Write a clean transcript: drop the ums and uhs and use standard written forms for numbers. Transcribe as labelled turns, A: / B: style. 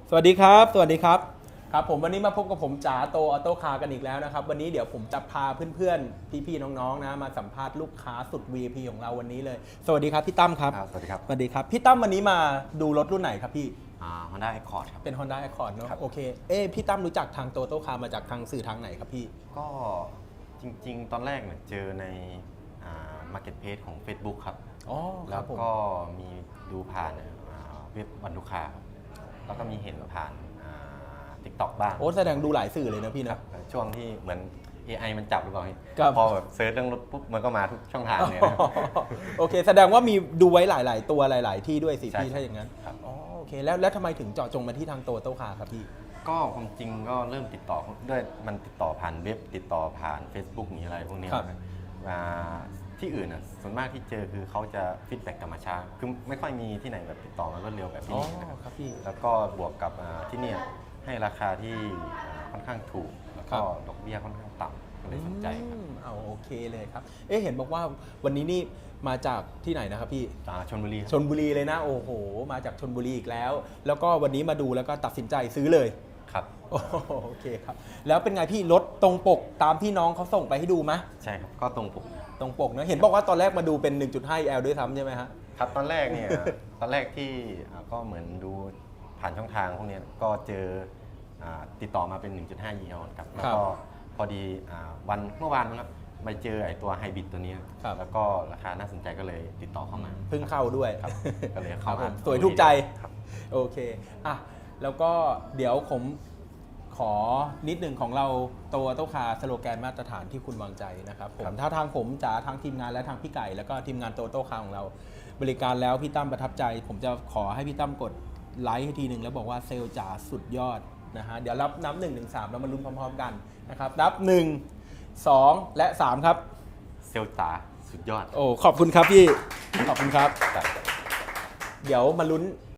A: สวัสดีครับสวัสดีครับครับผมวันนี้มาพบกับผมจ๋าโตออโต้คาร์กันอีกแล้วนะครับวันนี้เดี๋ยวผมจะพาเพื่อนๆพี่ๆน้องๆนะมาสัมภาษณ์ลูกค้าสุด VIP ของเราวันนี้เลยสวัสดีครับพี่ตั้มครับ
B: สวัสดีครับ
A: สวัสดีครับพี่ตั้มวันนี้มาดูรถรุ่นไหนครับพี่
B: Honda Accord ครับ
A: เป็น Honda Accord เนอะ
B: ครับ
A: โอเคพี่ตั้มรู้จักทางโตโต้คาร์มาจากทางสื่อทางไหนครับพี่
B: ก็จริงๆ ตอนแรกเนี่ยเจอในMarketplace ของ Facebook ครับ
A: อ๋อค
B: แล้
A: รับ
B: ว
A: ผม
B: ก็มีดูผ่านเว็บวันลูกค้าครับแล้วก็มีเห็นผ่าน TikTok บ้าง
A: โอ้แสดงดูหลายสื่อเลยนะพี่นะ
B: ช่วงที่เหมือน AI มันจับหรือเปล่า
A: ครับ
B: พอแบบเซิร์ชเรื่องรถปุ๊บมันก็มาทุกช่องทางเลยนะ
A: โอเคแสดงว่ามีดูไว้หลายๆตัวหลาย ๆ ที่ด้วยสิ
B: ใช่
A: พี่ถ้าอย่างนั้น
B: ครับ
A: อ๋อโอเคแล้วทำไมถึงเจาะจงมาที่ทางโตโต้คาร์ครับพี่
B: ก็ความจริงก็เริ่มติดต่อด้วยมันติดต่อผ่านเว็บติดต่อผ่าน Facebook มีอะไรพวกนี้
A: ครับ
B: ที่อื่นส่วนมากที่เจอคือเขาจะฟีดแบ็กกลับมาช้าคือไม่ค่อยมีที่ไหนแบบติดต่อมารวดเร็วแบบที่
A: อ๋อ
B: นี่นะครับ
A: ครับพี่
B: แล้วก็บวกกับที่เนี่ยให้ราคาที่ค่อนข้างถูก แล้วก็ดอกเบี้ยค่อนข้างต่ำก็เลยสนใจครับ
A: เอาโอเคเลยครับเห็นบอกว่าวันนี้นี่มาจากที่ไหนนะครับพี่
B: ชลบุรีครับ
A: ชนบุรีเลยนะโอ้โหมาจากชนบุรีอีกแล้ว แล้วก็วันนี้มาดูแล้วก็ตัดสินใจซื้อเลย
B: ครับ
A: โอเคครับแล้วเป็นไงพี่รถตรงปกตามที่น้องเขาส่งไปให้ดูไหม
B: ใช่ครับก็ตรงปก
A: ตรงปกนะเห็นบอกว่าตอนแรกมาดูเป็น 1.5 L ด้วยซ้ำใช่ไหมฮะ
B: ครับตอนแรกเนี่ย ตอนแรกที่ก็เหมือนดูผ่านช่องทางพวกเนี้ยก็เจอติดต่อมาเป็น 1.5 EL ครับแล้วก็พอดีวันเมื่อวานนะครับไปเจอไอ้ตัวไฮบริดตัวนี้
A: ครับ
B: แล้วก็ราคาน่าสนใจก็เลยติดต่อเข้ามา
A: เพิ่งเข้าด้วย
B: ครับก็เลย
A: ค
B: เข้า
A: รับผ
B: มาม
A: สวยถูกใจ
B: ครับ
A: โอเคอ่ะแล้วก็เดี๋ยวผมขอนิดหนึ่งของเราโตโต้คาร์สโลแกนมาตรฐานที่คุณวางใจนะครับผมถ้าทางผมจ๋าทางทีมงานและทางพี่ไก่แล้วก็ทีมงานโตโต้คาร์ของเรา บริการแล้วพี่ตั้มประทับใจ ผมจะขอให้พี่ตั้มกดไลค์ให้ทีหนึ่งแล้วบอกว่าเซลล์จ๋าสุดยอดนะฮะเดี๋ยวรับนับ1 ถึง 3แล้วมาลุ้นพร้อมๆกันนะครับนับ 1 2 และ 3 ครับ
B: เซลตาสุดยอด
A: โอ้ขอบคุณครับพี่ขอบคุณครับ
B: ครับ
A: เดี๋ยวมาลุ้น